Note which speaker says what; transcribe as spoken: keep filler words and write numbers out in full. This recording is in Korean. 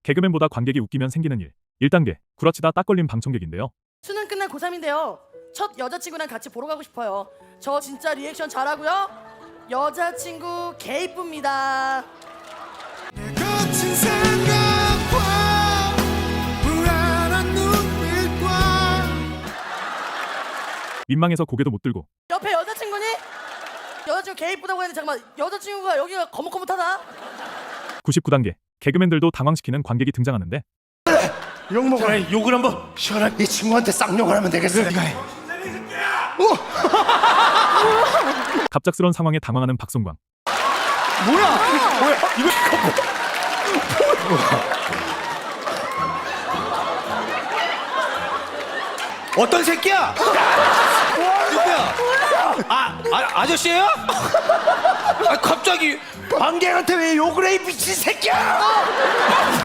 Speaker 1: 개그맨보다 관객이 웃기면 생기는 일. 일 단계, 구라치다 딱 걸린 방청객인데요.
Speaker 2: 수능 끝난 고삼인데요. 첫 여자친구랑 같이 보러 가고 싶어요. 저 진짜 리액션 잘하고요. 여자친구 개 이쁩니다.
Speaker 3: 거친 생각과 불안한 눈빛과
Speaker 1: 민망해서 고개도 못 들고.
Speaker 2: 옆에 여자친구니? 여자친구 개 이쁘다고 했는데 잠깐만, 여자친구가 여기가 거뭇거뭇하다?
Speaker 1: 구십구 단계, 개그맨들도 당황시키는 관객이 등장하는데
Speaker 4: 욕 먹어라. 욕을 한번 시원하게 이 친구한테 쌍욕을 하면 되겠어. 네가 해.
Speaker 1: 갑작스런 상황에 당황하는 박성광.
Speaker 4: 뭐야? 뭐야? 이거 어떤 새끼야? 누구야? 아, 아 아저씨예요? 아 갑자기 관객한테 왜 욕을 해, 이 미친 새끼야?